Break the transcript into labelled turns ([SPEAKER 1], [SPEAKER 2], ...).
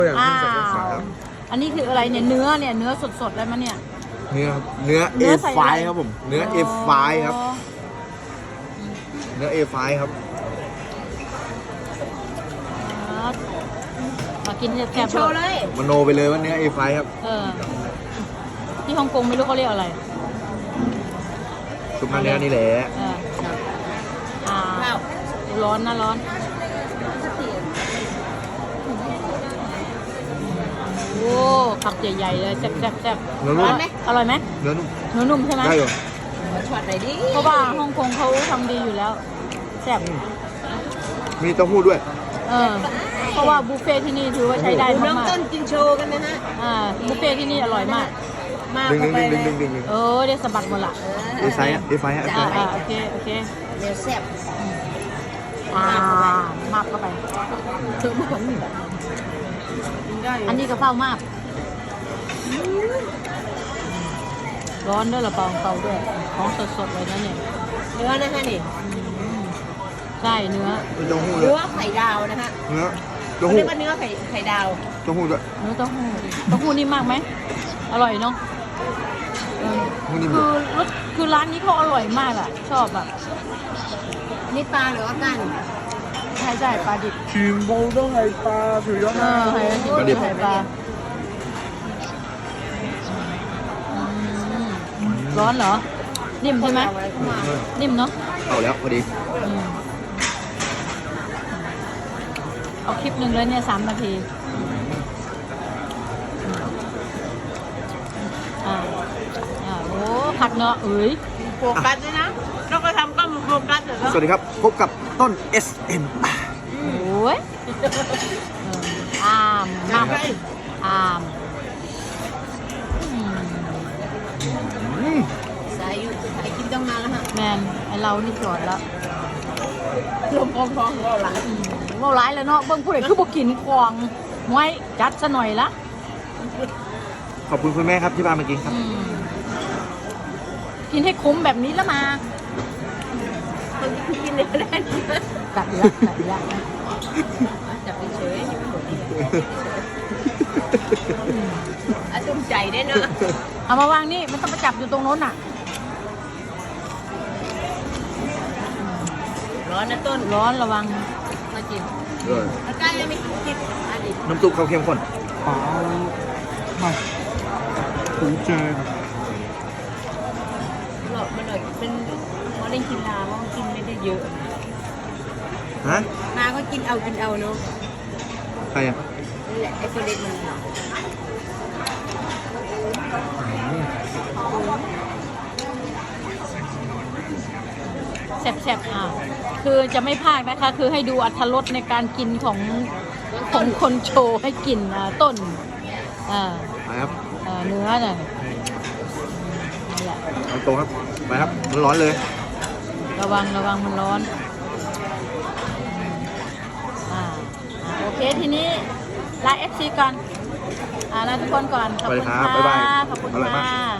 [SPEAKER 1] อ้าวอันนี้คืออะไรเนี่ยเนื้อสดๆเลยมั้ยเนี่ย
[SPEAKER 2] เนื้อ A5 ครับผมเนื้อ A5 ครับเนื้อ A5 ครับ
[SPEAKER 1] มากินแซ่บๆโชว์เลย
[SPEAKER 2] มโนไปเลยว่าเนื้อ A5 ครับ
[SPEAKER 1] ที่ฮ่องกงไม่รู้เขาเรียกอะไร
[SPEAKER 2] ซุปเนื้อนี่แหละ
[SPEAKER 1] ร้อนนะร้อนโอ้ขับใหญ่ๆเลยแซ่บ
[SPEAKER 2] เนื้อนุ่ม
[SPEAKER 1] อร่อยไหม
[SPEAKER 2] เนื้อ
[SPEAKER 1] นุ่มใช่ไหม
[SPEAKER 2] ได้เหรอ
[SPEAKER 1] ช็อตไหนดิเพราะว่าฮ่องกงเขาทำดีอยู่แล้วแซ่บ
[SPEAKER 2] มีเต้าหู้ด้วย
[SPEAKER 1] เพราะว่าบุฟเฟ่ที่นี่ถือว่าใช้ได้มากๆน้องต้น
[SPEAKER 3] กินโชว์กันนะฮะ
[SPEAKER 1] บุฟเฟ่ที่นี่อร่อยมาก
[SPEAKER 2] ดึงเ
[SPEAKER 1] ดี๋ยวสะบัดหมดละ
[SPEAKER 2] A5 ฮะ
[SPEAKER 1] โอเค
[SPEAKER 3] เดี๋ยวแซ่บ
[SPEAKER 1] มากเข้าไปถึงผลอันนี้กระเพรามากร้อนด้วยละเปาด้วยของสดๆเลยนะเนี่ย
[SPEAKER 3] เนื้อนะฮะนี่
[SPEAKER 1] ใช่เนื้อ
[SPEAKER 3] ไข่ดาวนะฮะ
[SPEAKER 2] เนื้อ
[SPEAKER 3] เรียกว่าเนื้อไข่ดาว
[SPEAKER 2] เต้าหู้ด้วย
[SPEAKER 1] เนื้อเต้าหู้นี่มากไหมอร่อยเนาะคือร้านนี้เขาอร่อยมากอ่ะชอบแบบ
[SPEAKER 3] นี่ปลาหรือว่ากัน
[SPEAKER 1] ใช่ปลาดิบ
[SPEAKER 2] ชิมโบต้องไข่ปลาถือยอด
[SPEAKER 1] ปลาดิบไข่ปลาร้อนเหรอนิ่มใช่ไหมนิ่มเนาะ
[SPEAKER 2] เอาแล้วพอดี
[SPEAKER 1] เอาคลิปหนึ่งเลยเนี่ย3 นาทีโอ้ผักเนาะ
[SPEAKER 3] โฟกัสด้วยนะเราก็ทำก็โฟกัสเหรอ
[SPEAKER 2] สวัสดีครับพบกับต้น SM
[SPEAKER 1] โอ้ยม
[SPEAKER 3] สายกินต้องนานแล้วฮะ
[SPEAKER 1] แมนไอเรานี่จอดแล้ว
[SPEAKER 3] ลมพองๆเราหลาย
[SPEAKER 1] แล้วเนาะเบิ้งผู้ใดคือบ่กินควงไว้จัดซะหน่อยละ
[SPEAKER 2] ขอบคุณคุณแม่ครับที่พามากินครับ
[SPEAKER 1] กินให้คุ้มแบบนี้แล้วมา
[SPEAKER 3] กินเลยได้
[SPEAKER 1] กัดละ
[SPEAKER 3] จับไปเฉยจุ่มใจได้เนาะ
[SPEAKER 1] เอามาวางนี่มันต้องไปจับอยู่ตรงโน้นน่ะ
[SPEAKER 3] ร้อนนะต้น
[SPEAKER 1] ร้อนระวัง
[SPEAKER 3] มากินแล้วใกล้ยังไม่กิน
[SPEAKER 2] น้ำซุปเขาเข้มข้น
[SPEAKER 1] มา
[SPEAKER 2] ถูกใจ
[SPEAKER 3] หลอกมาหน่อยเป็นเขาเล่นกินลาเขากินไม่ได้เยอะ
[SPEAKER 2] ฮะ
[SPEAKER 3] นาก็กินเอาเนาะ
[SPEAKER 2] ใครอ่ะ
[SPEAKER 3] นี่แหละไอ้คนเล็กมัน
[SPEAKER 1] แซ่บคือจะไม่พลาดนะคะคือให้ดูอรรถรสในการกินของคนโชว์ให้กินต้น
[SPEAKER 2] ครับ
[SPEAKER 1] เนื้อน่ะ
[SPEAKER 2] นี่แหละโตครับไปครับมันร้อนเลย
[SPEAKER 1] ระวังมันร้อนโอเคทีนี้ลา FC ก่อนลาทุกคนก่อนขอบคุณค่ะขอบคุณค่ะ